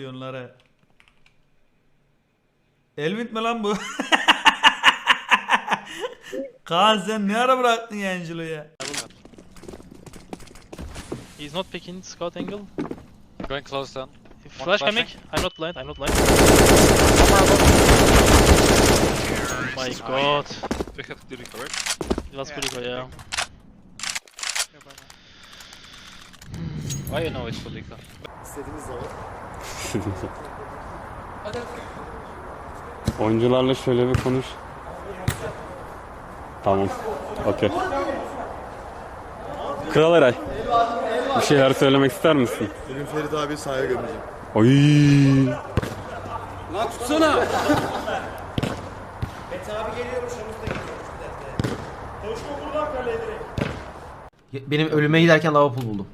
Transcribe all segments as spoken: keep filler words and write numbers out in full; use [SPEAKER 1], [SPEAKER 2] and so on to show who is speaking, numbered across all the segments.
[SPEAKER 1] milyonlara. Elvin mi lan bu? Kaan sen ne ara bıraktın Angelo'yu ya?
[SPEAKER 2] He's not picking scout angle.
[SPEAKER 3] Going close down.
[SPEAKER 2] Flash coming. I'm not blind. I'm not blind. Oh my god.
[SPEAKER 3] We have to recover.
[SPEAKER 2] Let's go, yeah.
[SPEAKER 3] Why you know it's Polika?
[SPEAKER 4] İstediğiniz zaman.
[SPEAKER 5] Oyuncularla şöyle bir konuş. Tamam. Okey. Kral Eray. Bir şeyler söylemek ister misin?
[SPEAKER 4] Bugün Ferit abi sahaya gömeceğim.
[SPEAKER 5] Oy.
[SPEAKER 6] Lan tutsana.
[SPEAKER 7] Mete abi geliyormuş önümüzde geliyormuş bir dakika. Koşma buradan kaleye direkt.
[SPEAKER 8] Benim ölüme giderken lava pool buldum.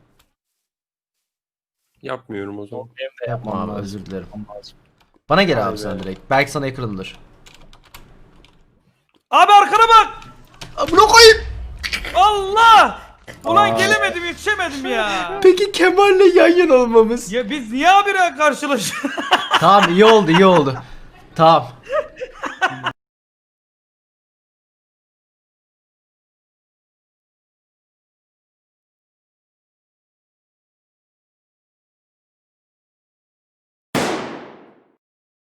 [SPEAKER 5] Yapmıyorum o zaman.
[SPEAKER 8] Yapma abi, özür dilerim. Bana gel abi sen direkt. Belki sana yakınımdır.
[SPEAKER 1] Abi arkana bak!
[SPEAKER 8] Bunu koyayım.
[SPEAKER 1] Allah! Ulan gelemedim, yetişemedim ya.
[SPEAKER 8] Peki Kemal'le yan yana olmamız.
[SPEAKER 1] Ya biz niye abire karşılaşıyoruz?
[SPEAKER 8] Tamam, iyi oldu iyi oldu. Tamam.